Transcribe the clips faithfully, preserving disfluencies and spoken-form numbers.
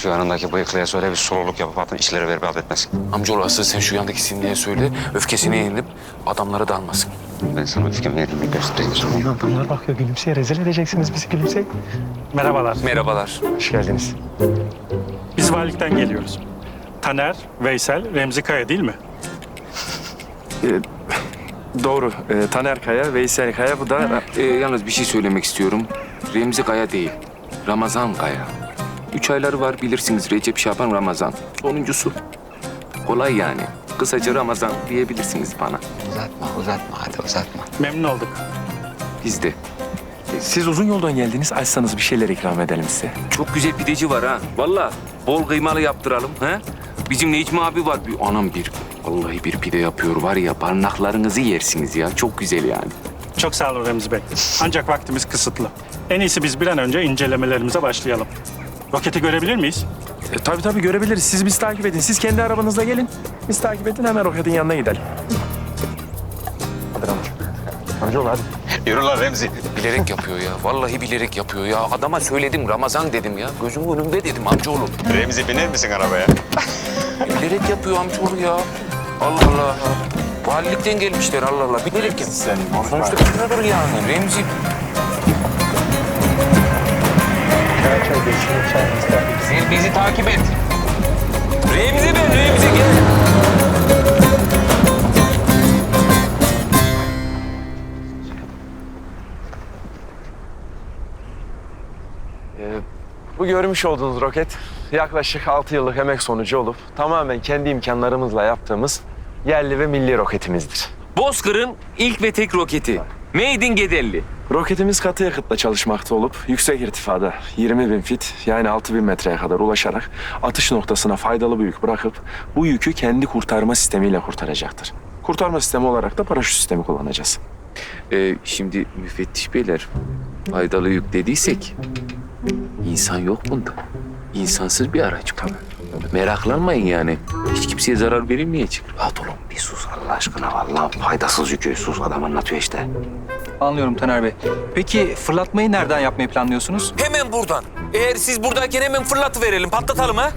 Şu yanındaki bıyıklıya söyle bir soluluk yapıp atın işleri verip affetmesin. Amcaoğlu asıl sen şu yandaki sindiye söyle. Öfkesini yenilip adamları da almasın. Ben sana öfkemi yerimi göstereyim. Adamlar bakıyor gülümseye. Rezil edeceksiniz bizi gülümseye. Merhabalar. Merhabalar. Hoş geldiniz. Biz valilikten geliyoruz. Taner, Veysel, Remzi Kaya değil mi? Doğru. Ee, Taner Kaya, Veysel Kaya, bu da... Ee, yalnız bir şey söylemek istiyorum. Remzi Kaya değil, Ramazan Kaya. Üç ayları var bilirsiniz, Recep, Şaban, Ramazan. Sonuncusu. Kolay yani. Kısaca Ramazan diyebilirsiniz bana. Uzatma uzatma hadi uzatma. Memnun olduk. Biz de. Siz uzun yoldan geldiniz. Açsanız bir şeyler ikram edelim size. Çok güzel pideci var ha. Vallahi bol kıymalı yaptıralım ha. Bizim Necmi abi var. Bir, anam bir, vallahi bir pide yapıyor var ya, parmaklarınızı yersiniz ya. Çok güzel yani. Çok sağ olun Remzi Bey. Ancak vaktimiz kısıtlı. En iyisi biz bir an önce incelemelerimize başlayalım. Roketi görebilir miyiz? E, tabii tabii görebiliriz. Siz bizi takip edin. Siz kendi arabanızla gelin. Biz takip edin, hemen roketin yanına gidelim. Hadi Ramazan. Amcaoğlu hadi. Yürü lan Remzi. Bilerek yapıyor ya. Vallahi bilerek yapıyor ya. Adama söyledim, Ramazan dedim ya. Gözümün önünde dedim amcaoğlu. Remzi biner misin arabaya? Bilerek yapıyor amcaoğlu ya. Allah Allah. Valilikten gelmişler Allah Allah. Bilerek yapıyor. Sen Sonuçta kızıdır yani. Remzi. Çay çay geçsin. Çay ister. Sen bizi takip et. Remzi be, Remzi gel. Bu görmüş olduğunuz roket yaklaşık altı yıllık emek sonucu olup tamamen kendi imkanlarımızla yaptığımız yerli ve milli roketimizdir. Bozkır'ın ilk ve tek roketi. Made in Gedelli. Roketimiz katı yakıtla çalışmakta olup yüksek irtifada yirmi bin fit yani altı bin metreye kadar ulaşarak atış noktasına faydalı bir yük bırakıp bu yükü kendi kurtarma sistemiyle kurtaracaktır. Kurtarma sistemi olarak da paraşüt sistemi kullanacağız. Ee, şimdi müfettiş beyler, faydalı yük dediysek insan yok bunda. İnsansız bir araç bu. Meraklanmayın yani. Hiç kimseye zarar verilmeyecek. Rahat olun bir sus Allah aşkına vallahi faydasız yükü sus adam anlatıyor işte. Anlıyorum Taner Bey. Peki fırlatmayı nereden yapmayı planlıyorsunuz? Hemen buradan. Eğer siz buradayken hemen fırlatıverelim, patlatalım ha.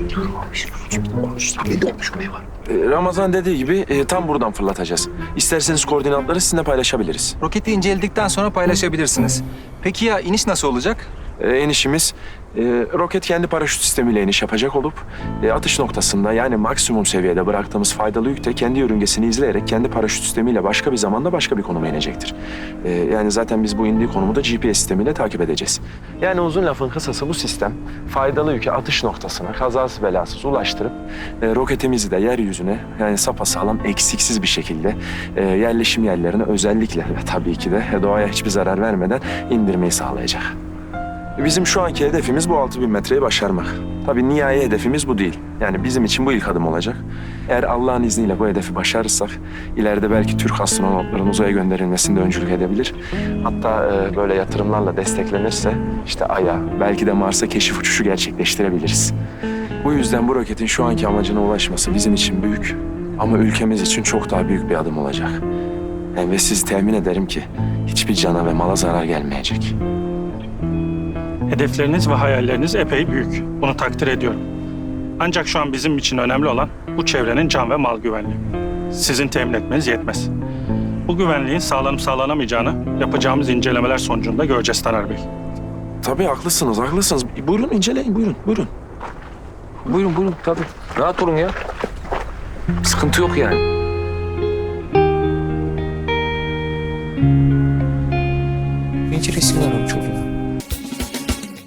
Ee, Ramazan dediği gibi e, tam buradan fırlatacağız. İsterseniz koordinatları sizinle paylaşabiliriz. Roketi inceledikten sonra paylaşabilirsiniz. Peki ya iniş nasıl olacak? Ee, inişimiz e, roket kendi paraşüt sistemiyle iniş yapacak olup e, atış noktasında yani maksimum seviyede bıraktığımız faydalı yükte kendi yörüngesini izleyerek kendi paraşüt sistemiyle başka bir zamanda başka bir konuma inecektir. E, yani zaten biz bu indiği konumu da G P S sistemiyle takip edeceğiz. Yani uzun lafın kısası bu sistem faydalı yükü atış noktasına kazasız belasız ulaştırıp e, roketimizi de yeryüzüne yani sapasağlam eksiksiz bir şekilde e, yerleşim yerlerine özellikle ve tabii ki de doğaya hiçbir zarar vermeden indirmeyi sağlayacak. Bizim şu anki hedefimiz bu altı bin metreyi başarmak. Tabii nihai hedefimiz bu değil. Yani bizim için bu ilk adım olacak. Eğer Allah'ın izniyle bu hedefi başarırsak ileride belki Türk astronotların uzaya gönderilmesinde öncülük edebilir. Hatta e, böyle yatırımlarla desteklenirse işte Ay'a belki de Mars'a keşif uçuşu gerçekleştirebiliriz. Bu yüzden bu roketin şu anki amacına ulaşması bizim için büyük ama ülkemiz için çok daha büyük bir adım olacak. Yani ve sizi temin ederim ki hiçbir cana ve mala zarar gelmeyecek. Hedefleriniz ve hayalleriniz epey büyük. Bunu takdir ediyorum. Ancak şu an bizim için önemli olan bu çevrenin can ve mal güvenliği. Sizin temin etmeniz yetmez. Bu güvenliğin sağlanıp sağlanamayacağını yapacağımız incelemeler sonucunda göreceğiz Taner Bey. Tabii haklısınız, haklısınız. Buyurun inceleyin, buyurun, buyurun. Buyurun buyurun tabii. Rahat olun ya. Sıkıntı yok yani. Penceresini alalım çocuğum.